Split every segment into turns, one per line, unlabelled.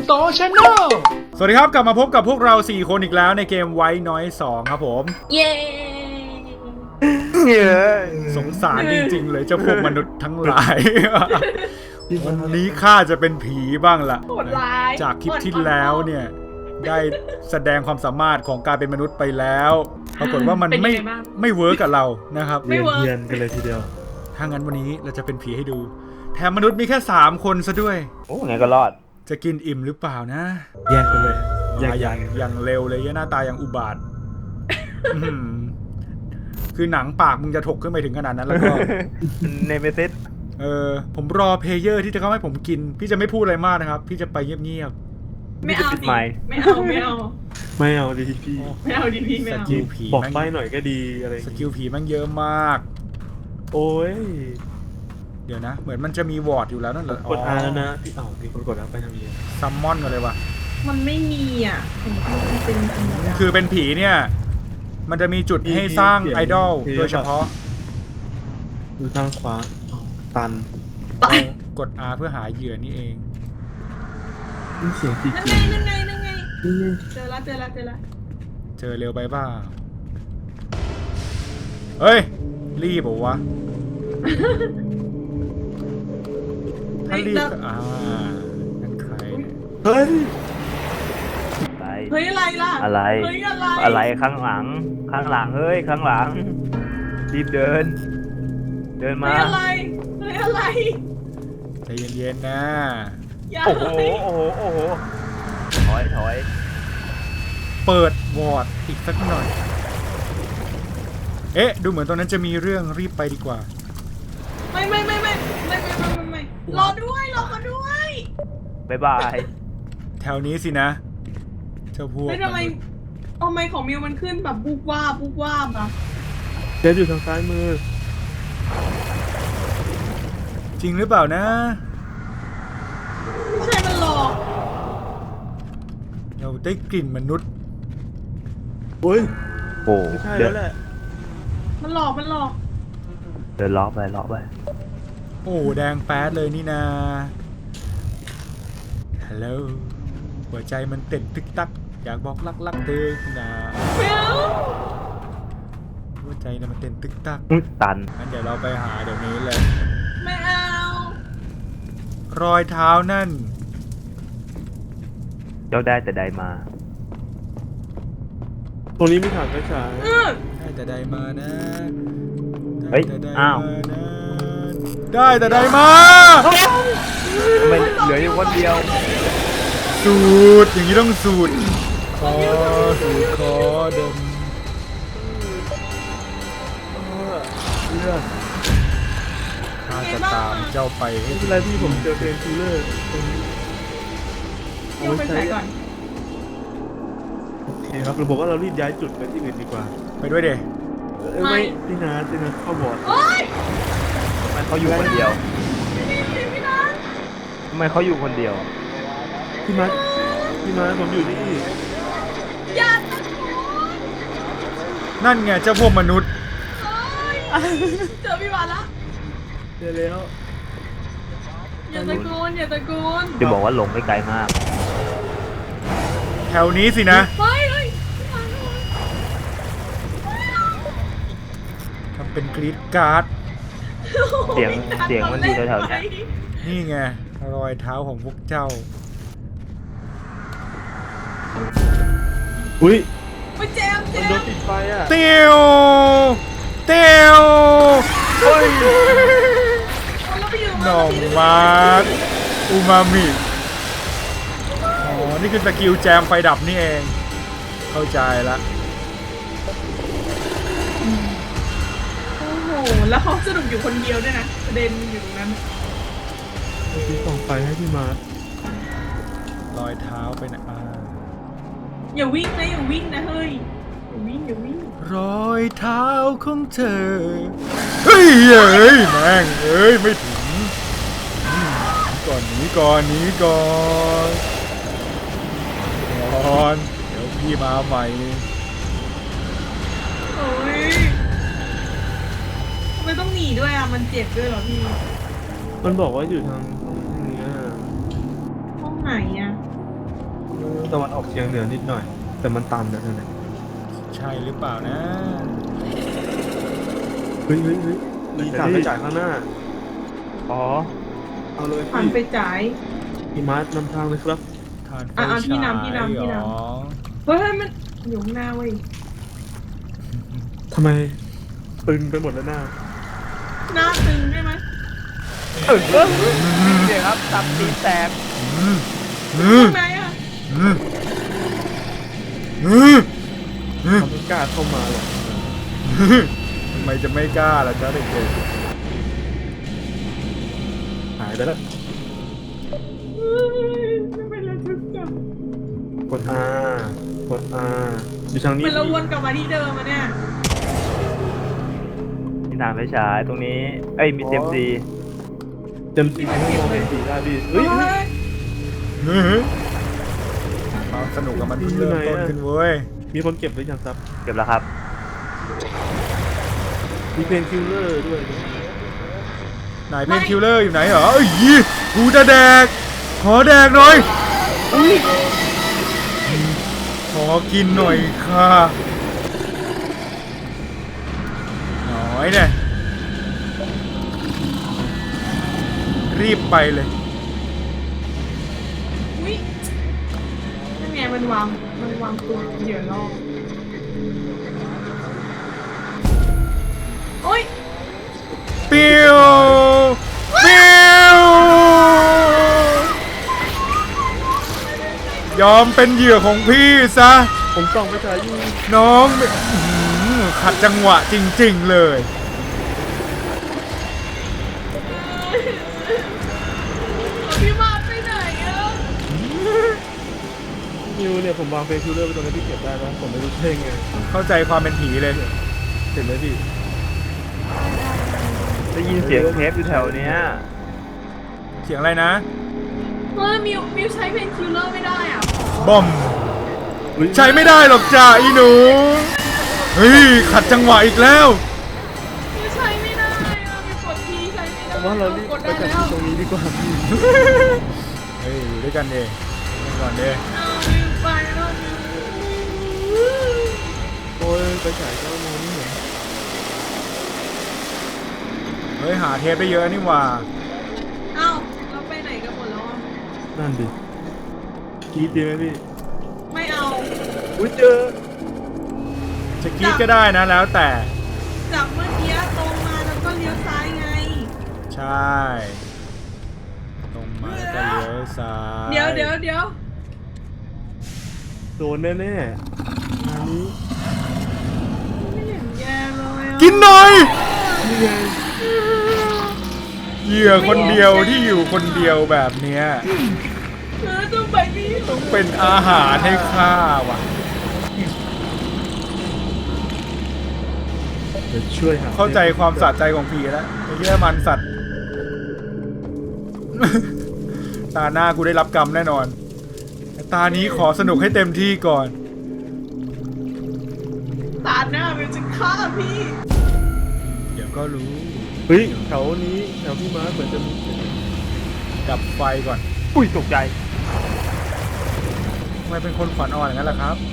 โตชาแนลสวัสดีครับกลับมาพบกับพวกเรา4คนอีกแล้วในเกมไว้น้อย2ครับผม
เย้
สงสารจริงๆเลยเจ้าพวกมนุษย์ทั้งหลายวันนี้ข้าจะเป็นผีบ้างล่ะจากคลิปที่แล้วเนี่ยได้แสดงความสามารถของการเป็นมนุษย์ไปแล้วปรากฏว่ามันไม่เวิร์กกับเรานะครับ
ไม่เวิร์ก
เรียนกันเลยทีเดียว
ถ้างั้นวันนี้เราจะเป็นผีให้ดูแถมมนุษย์มีแค่3คนซะด้วย
โอ้ไงก็รอด
จะกินอิ่มหรือเปล่านะ
แยกกันเลย
มาอย่างเร็วเลยหน้าตาอย่างอุบาท คือหนังปากมึงจะถกขึ้นไปถึงขนาดนั้นแล้วก็
เนเมซิส
ผมรอเพลเยอร์ที่จะเข้าให้ผมกินพี่จะไม่พูดอะไรมากนะครับพี่จะไปเงียบ
ไม่เอาสิไม่เอา
ดีพี่
ไม่เอาดิพี่ไม่
ๆส
เอา
กิลผี
บอกไปหน่อยก็ดีอะไร
สกิลผีมันเยอะมาก
โอ้ย
เดี๋ยวนะเหมือนมันจะมีวอร์ดอยู่แล้วนั่นเหรอก
ด R แล้วนะพี่มีคนกดแล้วไปทำยังไง
ซัมมอนกันเลยวะ
มันไม่มีอ่ะผมเป็นธรรมดา
คือเป็นผีเนี่ยมันจะมีจุดให้สร้างไอดอลโดยเฉพาะ
ดูทางขวาตัน
กด R เพื่อหาเหยื่อนี่เอง
นี่เสียงจริง
นั่นไง
นี่
เจอละ
เจอเร็วไปบ้าเฮ้ยรีบเหรอวะถ้ารีบนั่นใครเนี่ย
เฮ้ย
เฮ้ยอะไรล่ะ
อะไร
เฮ้ยอะไร
อะไรข้างหลังเฮ้ยข้างหลังรีบเดินมา
เฮ้ยอะไร
ใจเย็นๆนะ
อย่า
โอ้โหถอย
เปิดวอร์ดอีกสักหน่อยเอ๊ะดูเหมือนตรงนั้นจะมีเรื่องรีบไปดีกว่า
ไม่รอเขาด้วย
บ๊ายบาย
แถวนี้สินะเจ้าพวก
ไม่ทำไมของมิวมันขึ้นแบบบุกว่าอ่ะ
เจฟอยู่ทางซ้ายมือ
จริงหรือเปล่านะ
ไม่ใช่มันหลอก
เราได้กลิ่นมนุษย์
โอ้ย
โอ้
ไม่ใช่
เดิ
แล้วแหละ
มันหลอก
เดินล้อไป
โอ้แดงแป๊ดเลยนี่นาฮัลโหลหัวใจมันเต้นตึกตักอยากบอกรักเธอนะหัวใจนะมันเต้นตึกตัก
ตัน
งั้นเดี๋ยวเราไปหาเดี๋ยวนี้เลย
ไม่เอา
รอยเท้านั่น
เจ้าได้แต่ใดมา
ตรงนี้มีถังกระชาย
ได้แต่ใดมานะ
เฮ้ย
ได้แต่ใด
อ้าว
มานะได้แต่ใดมา
ทำไมเหลืออยู่คนเดียว
สูดอย่างนี้ต้องสูดคอสูดคอดม
เลือด
ข้าจะตามเจ้าไปให้
ไม่เป็นไรพี่ผมเจอเพนคิลเลอร์ตรงนี้
เดี๋ยวไปใส่ก่อน
โอเคครับเราบอกว่าเรารีบย้ายจุดไปที่อื่นดีกว่า
ไปด้วยเด
ไม่พี่นาเข้าบอร์ด
โอ๊ย
ทำไมเขาอยู่คนเดียว
พี่นัท
ทำไมเขาอยู่คนเดียว
พี่มาผมอยู่นี่
อย่าตะโกน
นั่นไงเจ้าพวกมนุษย์
เจอพี่มาละ
เจอแล้ว
อย่าตะโกน
จะบอกว่าหลงไม่ไกลมาก
แถวนี้สินะ
เฮ้ย
ทำเป็นกรีดการ์ด
เสียงมันอยู่แถวๆเนี้ย
นี่ไงรอยเท้าของพวกเจ้า
อุ้ย
มาแจม
มันโดนติดไฟอ่ะ
เตียวเตียวเฮ้ย
เราไปอยู่
หน่อมาร์อูมามิอ๋อนี่คือสกิลแจมไฟดับนี่เองเข้าใจละ
โอ้โหแล้วเขาสนุกอยู่คนเดียวด้วยนะประเด็นอยู่ตรงนั้น
พี่ส่องไฟให้พี่มา
รอยเท้าไปไหน
อย่าวิ่งนะเฮ้ยอย่าวิ่ง
รอยเท้าของเธอเฮ้ยแม่งไม่ถึงก่อนหนีก่อนเดี๋ยวพี่มาใหม่
โอ้ยทำไมต้องหนีด้วยอ่ะมันเจ็บด้วยเหรอพี่
มันบอกว่าอยู่ทางนี้
ห้องไหนอ่ะ
ตะวันออกเฉียงเหนือนิดหน่อย แต่มันตันนะนั่นแหละ
ใช่หรือเปล่านะ
เฮ้ยมีถ่านไปจ่ายข้างหน้า
อ๋อ
เอาเลย
ผ่านไปจ่าย
พี่มาร์ทนำทางเลยครับ
ทานไฟ
อ่ะพี่
ฉาย
นำพี่นำพี่นำ
เหรอ
เฮ้ยมันอยู่ข้างหน้าเว้ย
ทำไมตึงไปหมดแล้วหน้า
หน้าตึงได้ไหม
เดี๋ยวครับตับตีนแตก
อืม
ข้างในอ่ะ
อืมอืม
เขาไม่กล้าเข้ามาหรอก
ทำไมจะไม่กล้าล่ะจ๊ะเด็ก
หายไปแล้ว
ทำไมเราถึงจับ
กด R กด R อยู่ทางนี้
มันเราวนกลับมาที่เดิมอะเนี่ย
มีทางไฟฉายตรงนี้ เอ้ยมีเซมซี
เต็มสีให้มองเห็นสีได้ดิเฮ้ย
ๆความสนุกกับมันเพิ่งเริ่มต้นขึ้นเว้ย
มีคนเก็บหรือยังครับ
เก็บแล้วครับ
มีเพนคิลเลอร์ด้วย
ไหนเพนคิลเลอร์อยู่ไหนเหรอเอ้ยกูจะแดก ขอแดกหน่อยขอกินหน่อยค่ะหน่อยเนี่ยรีบไปเลย
อุ้ยนั่นไงมันวางตัวเหยื่อล่อโอ๊ย
ปิ้วปิ้วยอมเป็นเหยื่อของพี่ซะ
ผมส่องไปฉายอยู่
น้องขัดจังหวะจริงๆเลย
พี่มาไปไหนอะ
นิวเนี่ยผมวางเพนคิลเลอร์ไปตรงนี้ที่เก็บได้แล้วผมไม่รู้เท่งไง
เข้าใจความเป็นผีเลย
เห็นไหมพี่
ได้ยินเสียงเทปอยู่แถวเนี้ย
เสียงอะไรนะ
เฮ้ยมิวใช้เพนคิลเลอร์ไม่ได้อ่ะ
บอม ใช้ไม่ได้หรอกจ้าอีหนู เฮ้ย ขัดจังหวะอีกแล้ว
มิวใช้ไม่ได้อะมิวกดทีใช้ไม่ได้
ผมว่าเรารีบ
กด
ไป
ได้
จัด
แล้ว
ตรงนี้ดีกว่าพี่
เฮ้ย อยู่ด้วยกันเองก่อนเด้
เอามิวไปแล้วมิว
โอ้ยไปฉายก็มองไม่เห็น
เฮ้ย หาเทปได้เยอะนี่หว่า
เอ้าเราไปไหนกันหมดแล้วอะ
นั่นดิกรีดดีไหมพี่
ไม่เอา
อุ้ยเจอ
จะกรีดก็ได้นะแล้วแต่
จากเมื่อกี้ตรงมาแล้วก็เลี้ยวซ้ายไง
ใช่ ตรงมาแล้วก็เลี้ยวซ้าย
เดี๋ยว
โดนแน่ๆงานนี้
ไม่เห็นแย่เลยอะ
กินหน่อย
นี่ไง
เหยื่อคนเดียวที่อยู่คนเดียวแบบเนี้ย
ต้องไปนี่
ต้องเป็นอาหารให้ข้าว่ะ
เดี๋ยวช่วยหา
เข้าใจความสะใจของผีแล้วไอ้เหี้ยมันสัตว์ ตาหน้ากูได้รับกรรมแน่นอนแต่ตานี้ขอสนุกให้เต็มที่ก่อน
ตาหน้ามิวจะฆ่าพี่
เดี๋ยวก็รู้
เฮ้ยแถวนี้แถวพี่มาร์คเหมือนจะมี
ดับไฟก่อน
อุ้ยตกใจ
ทำไมเป็นคนขวัญอ่อนอย่างนั้นล่ะครับ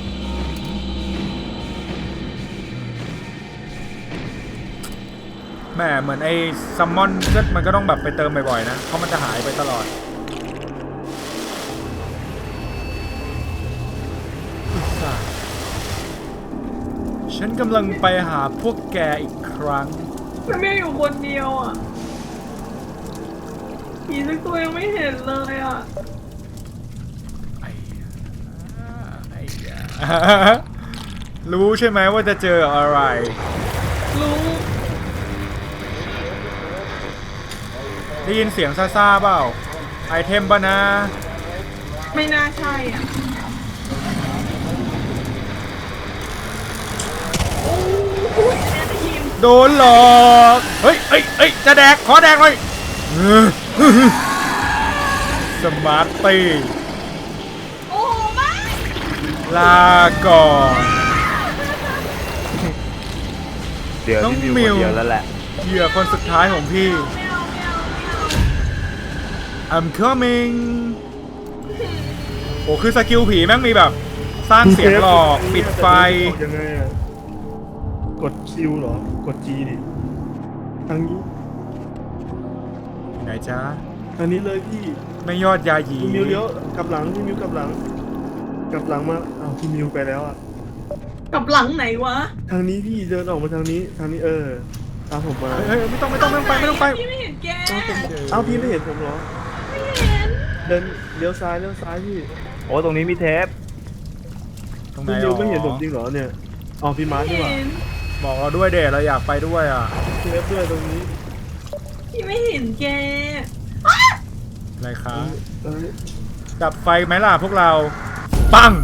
แหมเหมือนไอ้ซัมมอนมันก็ต้องแบบไปเติมบ่อยๆนะ เพราะมันจะหายไปตลอดอุตส่าห์ฉันกำลังไปหาพวกแกอีกครั้ง
มันไม่อยู่คนเดียวอ่ะผีสักตัวยังไม่เห็นเลยอ่ะ
ไอ้ยารู้ใช่ไหมว่าจะเจออะไร
รู้
ได้ยินเสียงซ่าๆเปล่า ไอเทมป่ะนะ
ไม่น่าใช่อ่ะโอ้ยแม่ได้ยิน
โดนหลอก เฮ้ย จะแดก ขอแดกหน่อยสมาร์ตตี้
โอ้โหไม่
ลาก่อน
เดี๋ยว
น้อง
พี่มิว
มิ
ค
ว
นเดียวแล้วแหละ
เหยื่อคนสุดท้ายของพี่
ไม่เอา
I'm coming โอ้คือสกิลผีแม่งมีแบบ สร้างเสียงหลอกปิดไฟ
ยังไงอะกดคิวเหรอ กด G ดิทางนี้
ไหนจ๊ะ
ทางนี้เลยพี่
ไม่ยอดยาหยี
พี่มิวเลี้ยวกลับหลังพี่มิวกลับหลังมาอ้าวพี่มิวไปแล้วอ่ะ
กับหลังไหนวะ
ทางนี้พี่เดินออกมาทางนี้ตามผมมา
เฮ้ยไม่ต้องไปไม่ต้องไป
พี่ไม่เห็นแก
เอ้าพี่ไม่เห็นผมเหรอ
ไม่เห็น
เดินเลี้ยวซ้ายพี่
โอ้ตรงนี้มีเทป
ตรงไหน
พี่มิวไม่เห็นผม
อ๋อ
จริงเหรอเนี่ยอ๋อพี่มาร์คดีกว่า
เห็น
บอกเราด้วยเดชเราอยากไปด้วยอ่ะ
เทปด้วยตรงนี้
พี่ไม่เห็นแก
อะไรคะ
เอ้ย
ดับไฟไหมล่ะพวกเรา ปัง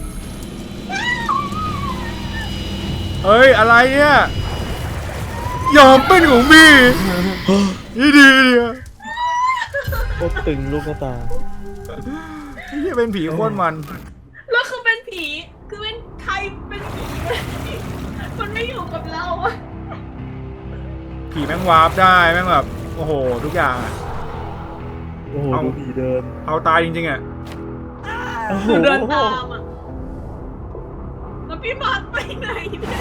เอ้ยอะไรเนี่ยยอมเป็นของพี่นี่ดีเนี่ย
โคตรตึงลูกตา
นี่เป็นผีโคตรมัน
แล้วคือเป็นผี คือเป็นใครเป็นผีมันไม่อยู่กับเราอะ
ผีแม่งวาร์ปได้แม่งแบบโอ้โหทุกอย่างอะ
โอ้โห
เอา
ดูผีเดิน
เอาตายจริงๆอ่ะ
โอ้โห
เดินตามอะแล้วพี่มาร์คไปไหนเนี่ย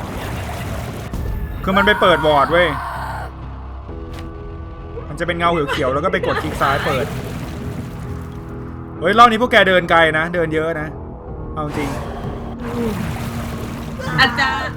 คือมันไปเปิดบอร์ดเว้ยมันจะเป็นเงาเขียวๆแล้วก็ไปกดคลิกซ้ายเปิดเฮ้ยรอบนี้พวกแกเดินไกลนะเดินเยอะนะเอาจริง
อาจ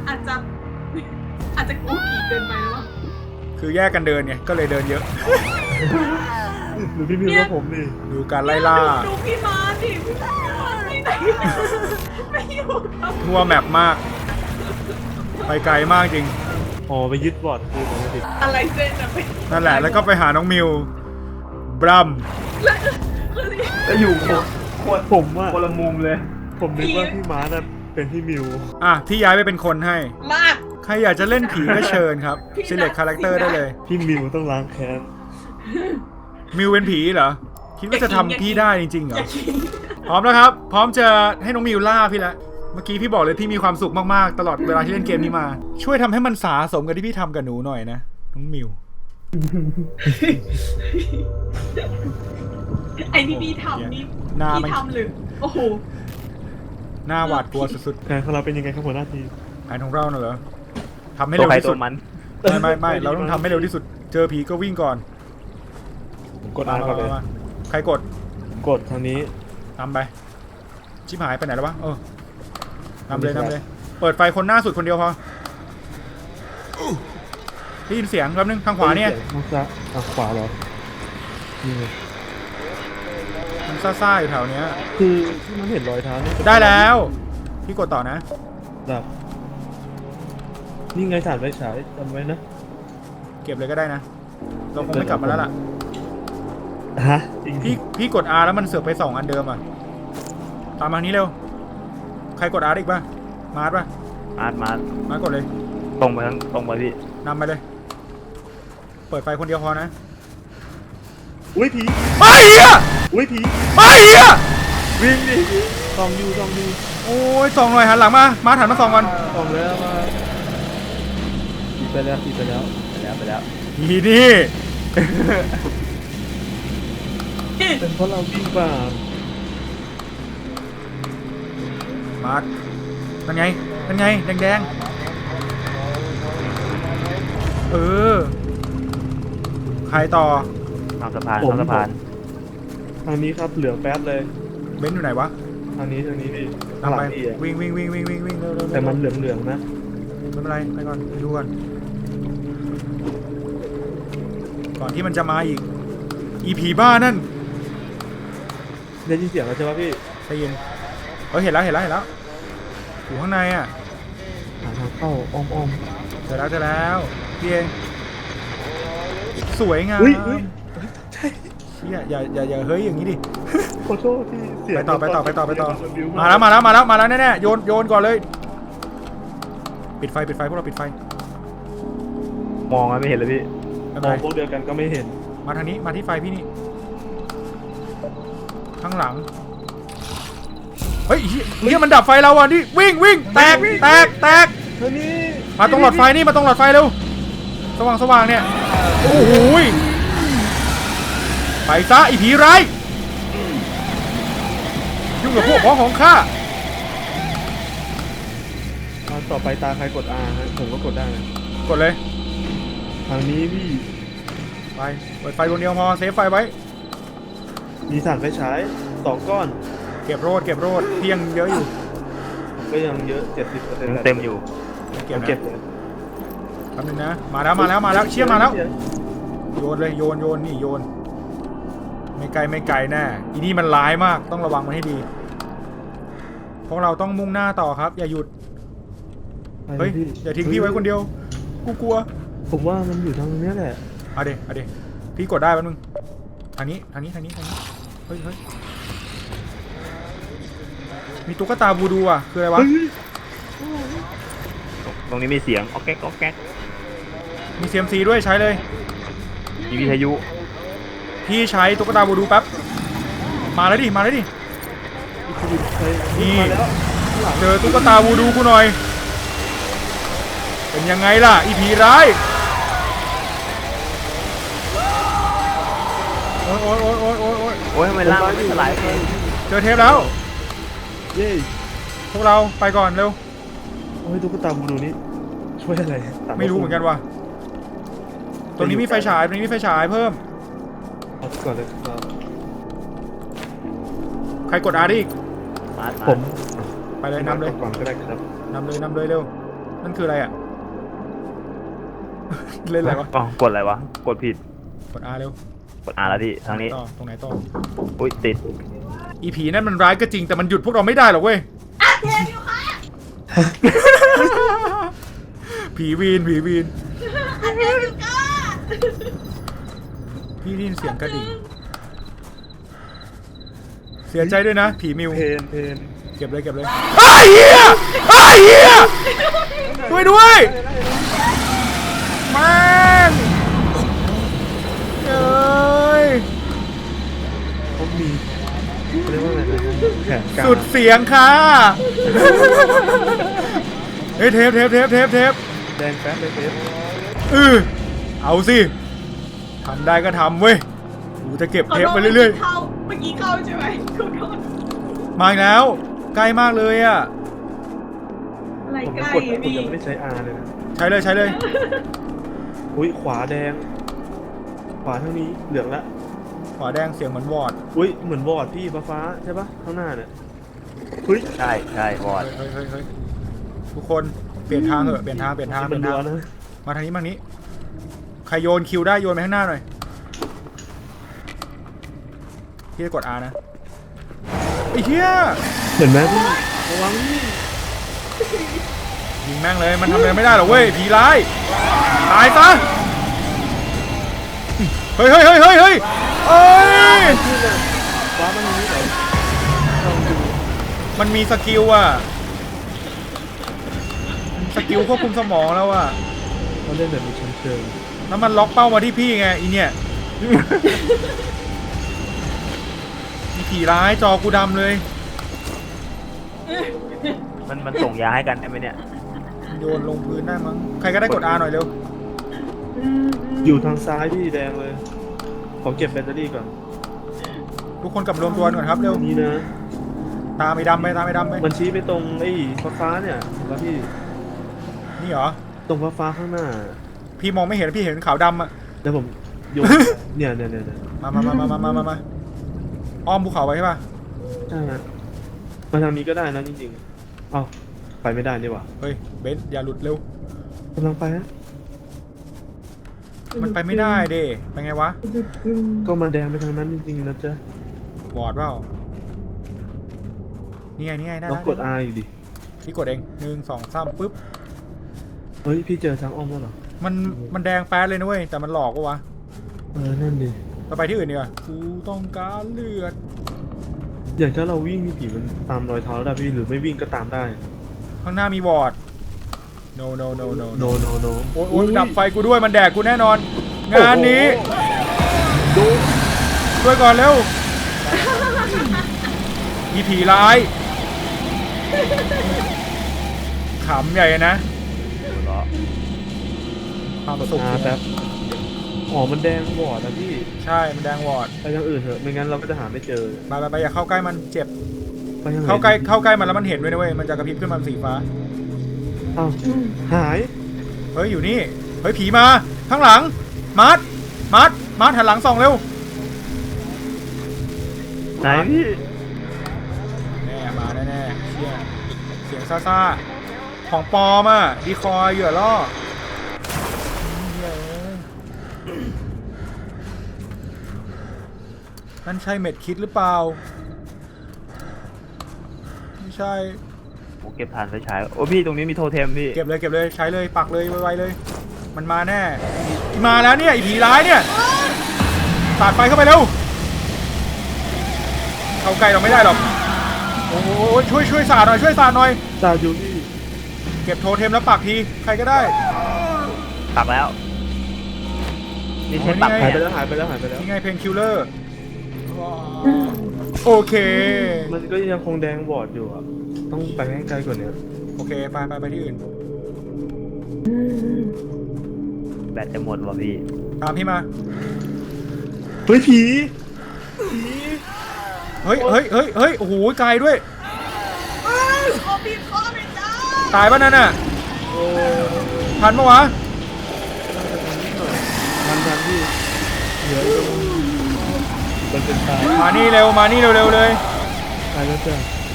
จะกูผีเกินไปแล้ววะ
คือแยกกันเดินไงก็เลยเดินเยอะ
หรือพี่มิวว่าผมนี่
ดูการไล่ล่า
ดูพี่มาร์คดิพี่มาร์คไปไหนไม่อยู่กับ
ทั่วแมปมาก ไปไกลมากจริง
อ๋อไปยึดบอร์ดคือผมติด
อะไรเส้นอะไป
นั่นแหละแล้วก็ไปหาน้องมิวบรัม
แล้วคือ
แล้วอยู่โคตร
ผมว่า
คนละมุมเลย
ผมนึกว่าพี่มาร์คน่ะเป็นพี่มิว
อ่ะพี่ย้ายไปเป็นคนให้
มาก
ใครอยากจะเล่นผีก็เชิญครับ select character ได้เลย
พี่มิวต้องล้างแค้น
มิวเป็นผีเหรอ คิดว่าจะทำพี่ได้จริงๆเหร
อ
อ
ย่าคิด
พร้อมแล้วครับ พร้อมจะให้น้องมิวล่าพี่ละเมื่อกี้พี่บอกเลยพี่มีความสุขมากๆตลอดเวลาที่เล่นเกมนี้มา ช่วยทำให้มันสาสมกับที่พี่ทำกับหนูหน่อยนะน้องมิว
ไอ้ที่พี่ทำนี่
หน้า
พี่
มัน
ทำหรือโอ้โห
หน้าหวาดกลัวสุด
แผนของเราเป็นยังไงครับหัวหน้าทีม
ๆแผนของเราน่ะเหรอทำให้
ตัว
เร็ว
ใคร
ที่
ตั
สุ
ว
ด
มัน
ไม่เราต้องทำให้เร็วที่สุด เจอผีก็วิ่งก่อน
ผมกดอ่านก่อนเลย
มาใครกด
กดทางนี้
นำไปชิบหายไปไหนแล้ววะนำเลยเปิดไฟคนหน้าสุดคนเดียวพอได้ยินเสียงแป๊บนึงทางขวาเนี่ย
ทางซ้ายทางขวาเหรอนี่ไง
มันซ่าๆอยู่แถวเนี้ย
คือที่มันเห็นรอยเท้าเนี่ย
ได้แล้วพี่กดต่อนะ
แบบนี่ไงถ่านไฟฉายจำไว้นะ
เก็บเลยก็ได้นะเราคงไม่กลับมาแล้วล่ะ
ฮะจริง
พี่กด R แล้วมันเสือกไป2อันเดิมอ่ะตามมานี้เร็วใครกด R อีกป่ะมาร์ทป่ะ
มาร์ท
กดเลย
ตรงไปทั้งตรงไปพี่
นำไปเลย เปิดไฟคนเดียวพอนะ
อุ้ยผี
ไอ้เหี้ย
อุ้ยผี
ไอ้เหี้ย
วิ่งดิซองยู
โอ้ยส่องหน่อยหันหลังมามาหันมาส่องก่อน
ซองแล้วมาผีไปแล้ว
ไปแล้ว
อีนี่
เป็นเพราะเราวิ่งป่า
มาร์ทนั่นไงแดงๆใครต่อ
ทางสะพาน
ทางนี้ครับเหลืองแป๊ดเลย
เบนซ์อยู่ไหนวะ
ทางนี้ดิ
ตามไป
พี่อะ
วิ่งเร็วๆ
แต่มันเหลืองนะ
ไม่เป็นไรไปก่อนไปดูก่อนก่อนที่มันจะมาอีกอีผีบ้านั่น
ได้ยินเสียงแล้วใช่ปะพี่
ใจเย็นเห็นแล้วอยู่ข้างในอ่ะ
หาทางเข้าอ้อม
เจอแล้วพี่เองสวยงาม
อุ้ยใช่
เชี่ยอย่าเฮ้ยอย่างนี้ดิ
ขอโทษพี่เสียง
ไปต่อ
มันบิ้
มาแล้วแน่ๆโยนก่อนเลยปิดไฟพวกเราปิดไฟ
มองไม่เห็นเลยพี่
ไม่
ม
เป็น
อง
ไร
พวกเดียวกันก็ไม่เห็น
มาทางนี้มาที่ไฟพี่นี่ข้างหลังเฮ้ยเฮียมันดับไฟเราอ่ะนี่วิ่งแตก
เฮ้ยนี่
มาตรงหลอดไฟนี่มาตรงหลอดไฟเร็วสว่างเนี่ยโอ้โหยไปซะไอ้ผีร้ายของข้า
ต่อไปตาใครกด R ฮะผมก็กดได้นะ
กดเลย
ทางนี้พี่
ไปเปิดไฟดวงเดียวพอเซฟไฟไว้
มีถ่านไฟฉาย2 ก้อน
เก็บโรดพี่ยังเยอะอยู่
ก็ยังเยอะ 70%
ยังเต็มอยู่
เก็บ
เก็
นะ
บเลย
แป๊บนึงนะมาแล้วเชี่ยมาแล้วโยนเลยโยนนี่โยนไม่ไกลแน่อีนี่มันร้ายมากต้องระวังมันให้ดีพวกเราต้องมุ่งหน้าต่อครับอย่าหยุดเฮ้ยอย่าทิ้งพี่ไว้คนเดียวกูกลัว
ผมว่ามันอยู่ทางนี้แหละ
เอาเดี๋ยวพี่กดได้แป๊บนึงทางนี้เฮ้ยมีตุ๊กตาบูดูอ่ะคืออะไรวะ
ตรงนี้มีเสียงอ๊อกแก๊กอ๊อกแก๊ก
มี CMC ด้วยใช้เลย
มีวิทยุ
พี่ใช้ตุ๊กตาบูดูแป๊บมาแล้วดิ
ใคร
นี่
มาแล้วข้างหลัง
เจอตุ๊กตาบูดูกูหน่อยเป็นยังไงล่ะอีผีร้ายโอ๊ย
โอ้ยทำไมล่างมันไม่สลายเลย
เจอเทปแล้ว
เย้
พวกเราไปก่อนเร็ว
โอ้ยตุ๊กตาบูดูนี่ช่วยอะไรตา
ไม่รู้เหมือนกันว่ะตรงนี้มีไฟฉายเพิ่ม
เอาก่อนเลยครับ
ใครกดอาร์ดิอีก
มา
ผม
ไปเลยนำเลย
ก่อนก็ได้ครับ
นำเลยเร็วนั่นคืออะไรอ่ะ เล่นอะไรวะ
อ๋อกดอะไรวะกดผิด
กดอาร์เร็ว
กดอ่านแล้วที่ทางนี้
ตรงไหนต่อ
อุ้ยติด
อีผีนั่นมันร้ายก็จริงแต่มันหยุดพวกเราไม่ได้หรอกเว้ย
อ่ะเทปอยู่ค่ะ
ผีวีน
อ่ะเทปอยู่ค่ะ
พี่ได้ยินเสียงกระดิ่งเสียใจด้วยนะ ผีมิว
เพน
เก็บเลยไอ้เหี้ยช่วยด้วยแม่งเอ้ย
เขามีเรียกว่าอะไรนะแขนกลาง
สุดเสียงค่ะเฮ้ยเทป
แดงแป๊บเลยเทป
เอาสิทำได้ก็ทำเว้ยกูจะเก็บเทปไปเรื่อย
เมื่อกี้เข้าใช่ไหมขอโทษ
ๆมาอีกแล้วใกล้มากเลยอ่ะ
อะไร
ผม
ใกล้
กด
อะ
ผม
พี่
ยังไม่ได้ใช้ R เลยนะ
ใช้เลย
อุ้ยขวาแดง ขวาเท่านี้เหลืองละ
ขวาแดงเสียงเหมือนวอร์ด
อุ้ยเหมือนบอร์ดพี่ฟ้าใช่ปะข้างหน้าเนี่ยอุ้ย
ใช่วอด
เฮ้ยทุกคนเปลี่ยนทางเถอะเปลี่ยนทาง
มันรัวนะ
มาทางนี้ใครโยนคิวได้โยนไปข้างหน้าหน่อยพี่จะกด R นะไอ้เหี้ย
เห็นไหมพี่ระวังนี่
ยิงแม่งเลยมันทำอะไรไม่ได้หรอกเว้ยผีร้ายตายซะเฮ้ยเอ้ย
พี่น่ะฟ้ามันอย่างนี้เหรอลองดู
มันมีสกิลอ่ะสกิลควบคุมสมองแล้วอ่ะ
เขาเล่นแบบมีชั้นเชิง
แล้วมันล็อกเป้ามาที่พี่ไงอีเนี่ยมีผีร้ายจอกูดำเลย
มันส่งยาให้กันได้ไหมเนี่ย
โยนลงพื้นได้มั้งใครก็ได้กด R หน่อยเร็ว
อยู่ทางซ้ายพี่แดงเลยขอเก็บแบตเตอรี่ก่อน
ทุกคนกลับรวมตัวก่อนครับเร็ว
นี่นะ
ตามไอ้ดำไป
มันชี้ไปตรงไอ้ฟ้าเนี่ยแล้วพี่
นี่เหรอ
ตรงฟ้าข้างหน้า
พี่มองไม่เห็นพี่เห็นขาวดำอ่ะ
เดี๋ยวผมโยน เนี่ย
มาอ้อมภูเขาไว้ใช่ป่ะ
ใช่ฮะมาทางนี้ก็ได้นะจริงๆเอ้าไปไม่ได้นี่หว่า
เฮ้ยเบนซ์อย่าหลุดเร็ว
กำลังไปฮะ
มันไปไม่ได้เด้ไปไงวะ
ก็มาแดงไปทางนั้นจริงๆนะจ๊ะ
บอดเปล่านี่ไงได้
ลองกด R อยู่ดิ
พี่กดเอง1 2 3ปึ๊บ
เฮ้ยพี่เจอทางอ้อมแล้วเหรอ
มันแดงแป๊ดเลยนะเว้ยแต่มันหลอกปะวะ
นั่นดิ
เราไปที่อื่นดีกว่ากูต้องการเลือด
อย่างถ้าเราวิ่งมีผีมันตามรอยเท้าได้พี่หรือไม่วิ่งก็ตามได้
ข้างหน้ามีวอร์ด no
โน
โอ้ยดับไฟกูด้วยมันแดกกูแน่นอน งานนี้
ดู
ช่วยก่อนเร็วมีผีร้ายขำใหญ่นะความสุข
แป๊บอ๋อมันแดงวอร์ดนะพี่
ใช่มันแดงวอร์ด
ไปทางอื่นเถอะไม่งั้นเราก็จะหาไม่เจอ
ไปอย่าเข้าใกล้มันเจ็บ
ไปยังไง
เข้าใกล้มันแล้วมันเห็นด้วยนะเว้ยมันจะกระพริบขึ้นมาเป็นสีฟ้า
อ้าวหาย
เฮ้ยอยู่นี่เฮ้ยผีมาข้างหลังมาร์ทหันหลังส่องเร็ว
ไหนพี่
แน่มาแน่ๆเชี่ยเสียงซ่าๆของปลอมอ่ะดีคอยเหยื่อล่อนั่นใช่เม็ดคิดหรือเปล่าไม่ใช่
โอ้เก็บฐานไฟฉายโอ้พี่ตรงนี้มีโทเทมพี่
เก็บเลยใช้เลยปักเลยไวๆเลย มันมาแน่มาแล้วเนี่ยไอ้ผีร้ายเนี่ยสาดไฟเข้าไปเร็วเข้าใกล้เราไม่ได้หรอกโอ้โหช่วยสาดหน่อย
ตาอยู่นี่
เก็บโทเทมแล้วปักทีใครก็ได้
ปักแล้วนี่ใช้
โอ้ย
ปัก
นี่ไง
หาย
แท
ไป
น
แล้วหายไปแล้วหายไปแล้ว
นี่ไงเพนคิลเลอร์โอเค
มันก็ยังคงแดงบอดอยู่อ่ะต้องไปให้ไกลกว่านี้
โอเคไปที่อื่น
แบตจะหมดว่ะพี่
ตามพี่มา
เฮ้ยผี
เฮ้ยโอ้โหไกลด้วย
ขอบีบคอเลยจ้า
ตายป่ะนั่นน่ะ
โอ้
ทันปะวะ
ทันพี่เหลืออยู่มันเป็นตาย
มานี่เร็วเลย
ตายแล้วจ้ะ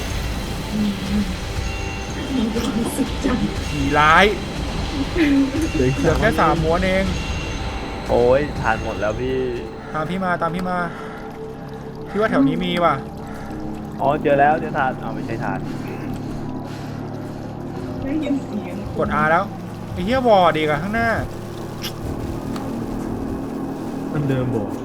ผีร้าย
เหลือ
เหลือแค่3ม้วนเอง
โอ้ยฐานหมดแล้วพี่
ตามพี่มาพี่ว่าแถวนี้มีว่ะ
อ๋อเจอแล้วเจอฐานเอาไม่ใช่ฐาน
ได้ยินเสียง
กด R แล้วไอ้เหี้ยวอร์ดอีกอะข้างหน้า
อันเดิมบอก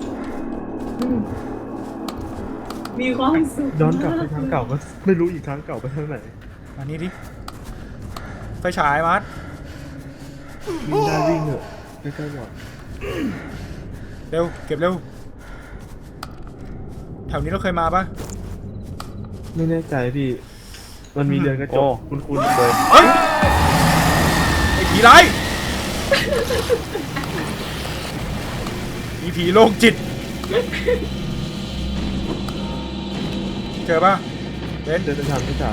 มีความสุข
ย้อนกลับไปทางเก่าก็ไม่รู้อีกครั้งเก่าไปทางไหน
อันนี้ดิไฟฉายมัด
วิ่งได้วิ่งเถอะใกล้ๆบอด
เร็วเก็บเร็วแถวนี้เราเคยมาปะ
ไม่แน่ใจพี่มันมีเรือนกระจกคุ้นๆเลย
เฮ้ยไอ้ผีร้ายมีผีโรคจิตเจอปะเบน
เดินทางไม่จ่าย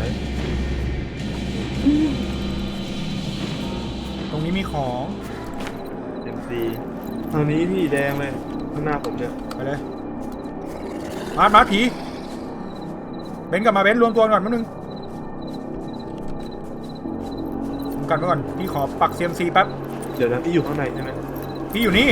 ตรงนี้มีของ
เต็มซี
ทางนี้พี่แดงเลยข้างหน้าผมเนี่ย
ไปเลยมาผีเบนกลับมาเบนรวมตัวก่อนแป๊บนึงรวมกันไว้ก่อนพี่ขอปัก CMC แป๊บ
เดี๋ยวนะพี่อยู่ข้างในใช่ไหม
พี่อยู่นี่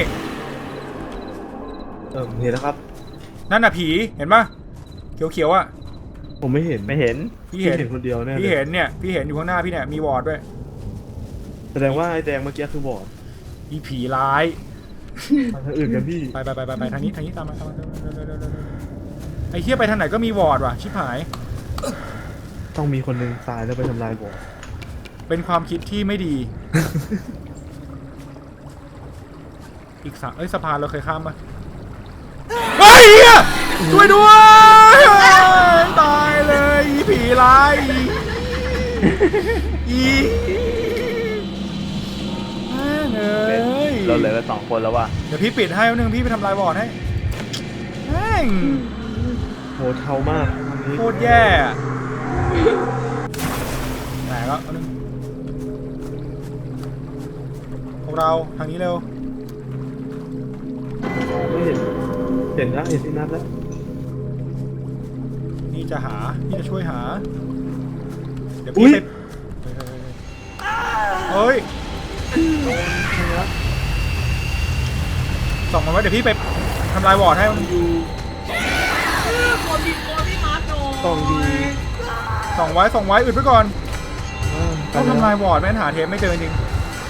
เห็นแล้วครับ
นั่นน่ะผีเห็นปะเขียวๆอ่ะ
ผมไม่เห็น
ไม่เห็น
พี่เห็น
คนเดียวแน่
พี่เห็นเนี่ยพี่เห็นอยู่ข้างหน้าพี่เนี่ยมีวอร์ดด้วย
แสดงว่าไอ้แดงเมื่อกี้คือบอด
อีผีร้าย
ทางอื่นกันพี่
ไปทางนี้ตามมาไอ้เหี้ยไปทางไหนก็มีวอร์ดว่ะชิบหาย
ต้องมีคนหนึ่งตายแล้วไปทำลายบอด
เป็นความคิดที่ไม่ดี อีกสะพานเราเคยข้ามปะเฮ้ยเหี้ยช่วยด้วยตายเลยอีผีร้ายอีแม่งเอ้ย
เราเหลือกัน2 คนแล้วว่ะ
เดี๋ยวพี่ปิดให้แป๊บนึงพี่ไปทำลายวอร์ดให้แม่ง
โหเทามากทางนี้
โคตรแย่อะแหมแล้วแป๊บนึงพวกเราทางนี้เร็ว
ไม่เห็นแล้วเห็นที่นัดแล้ว
นี่จะช่วยหา เดี๋ยวพี่ไปเฮ้ยส่องมาไว้เดี๋ยวพี่ไปทำลายวอร์ดให้มันอยู่
ขอบีบคอพี่มาร์ทหน่อย
ต้องดี
ส่องไว้อึดไว้ก่อนต้องทำลายวอร์ดแม่งหาเทปไม่เจอจริง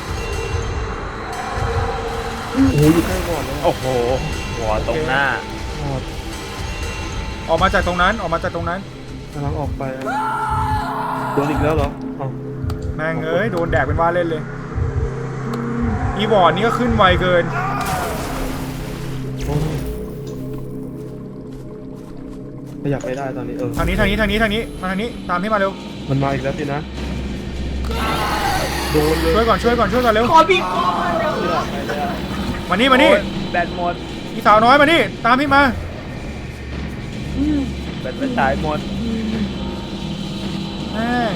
โอ้โหอยู่ใกล้บอดแล้ว
โอ้โหหัวตรงหน้า
บอด
ออกมาจากตรงนั้น
กำลังออกไปโดนอีกแล้วเหรออ๋อ
แม่งเอ้ยโดนแดกเป็นว่าเล่นเลยอีวอร์ดนี่ก็ขึ้นไวเกิน
โอ้ขยับไปได้ตอนนี้
ทางนี้มาทางนี้ตามพี่มาเร็ว
มันมาอีกแล้วสินะโดนเลย
ช่วยก่อนเร็ว
ขอบีบคอมาเร็ว
มานี่
โอ้ยแบตหมด
พี่สาวน้อยมานี่ตามพี่มา
แบตไฟฉายหมด
แม่ง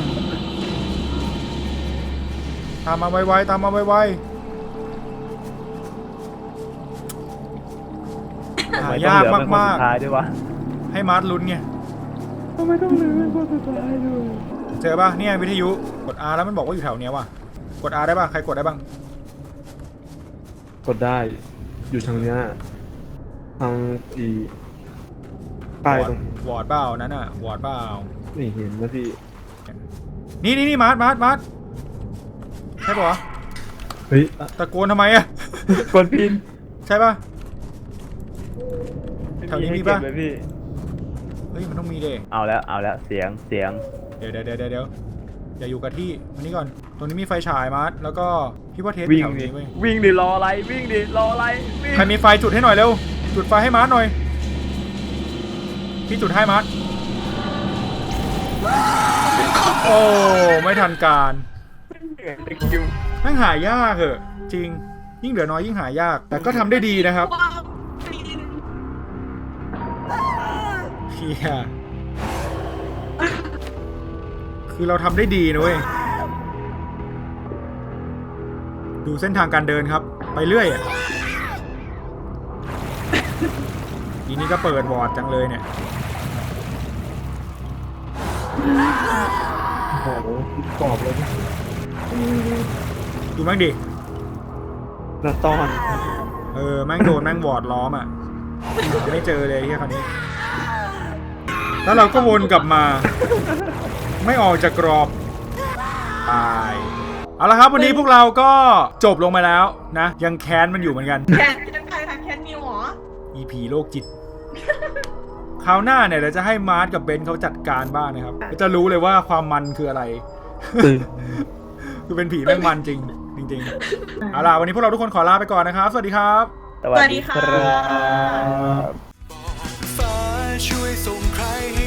ตามมาไวๆตามมาไวๆหายากมาก
ท้ายด้วยวะ
ๆให้มาร์ทลุ้นไง
ทำไมต้องเหลือเป็นคนสุดท้ายด้วย
เจอป่ะเนี่ยวิทยุกด R แล้วมันบอกว่าอยู่แถวเนี้ยว่ะกด R ได้ป่ะใครกดได้บ้าง
กดได้อยู่ทางเนี้ยทางอีป้ายตรง
วอร์ดเปล่านั้นอ่ะวอร์ดเปล่า
นี่เห็นนะพี่
นี่มาร์ทใช่ป่ะ
เฮ้ย
ตะโกนทำไมอ่ะ
กดพิน
ใช่ป่ะ แถวนี้มีปะ
ให้เก็บเลยพี่
เฮ้ยมันต้องมีเด้
เอาแล้วเสียง
เดี๋ยวอย่าอยู่กับที่มานี่ก่อนตรงนี้มีไฟฉายมาร์ทแล้วก็พี่ว่าเทส
วิ่ง
แถว
ดิ
นี้เว้ย
วิ่งดิรออะไรวิ่งดิรออะไรวิ่ง
ใครมีไฟจุดให้หน่อยเร็วจุดไฟให้มาร์ทหน่อยพี่จุดให้มาร์ทโอ้ไม่ทันการแม่งหายากเหอะจริงยิ่งเหลือน้อยยิ่งหายากแต่ก็ทำได้ดีนะครับ
ว้าวปีน
เฮียคือเราทำได้ดีนะเว้ยดูเส้นทางการเดินครับไปเรื่อยอ่ะทีนี้ก็เปิดวอร์ดจังเลยเนี่ย
โอ้โหกรอบเลย
ดูแม่งดิ
หน้าต้อน
แม่งโดนแม่งวอร์ดล้อมอ่ะไม่เจอเลยที่คราวนี้แล้วเราก็วนกลับมา ไม่ออกจากกรอบตายเอาละครับวันนี้พวกเราก็จบลงมาแล้วนะยังแค้นมันอยู่เหมือนกัน
แคนใครคะแคนนิวเหรอ
EP โรคจิต คราวหน้าเนี่ยเราจะให้มาร์ทกับเบนเขาจัดการบ้างนะครับจะรู้เลยว่าความมันคืออะไร
ตื่น
คือเป็นผีแม่งมันจริงๆเอาล่ะวันนี้พวกเราทุกคนขอลาไปก่อนนะครับสวัสดีครับ
สวัสดีครับ
สวัสดีค่ะ
ฟ้าช่วยส่งใครให้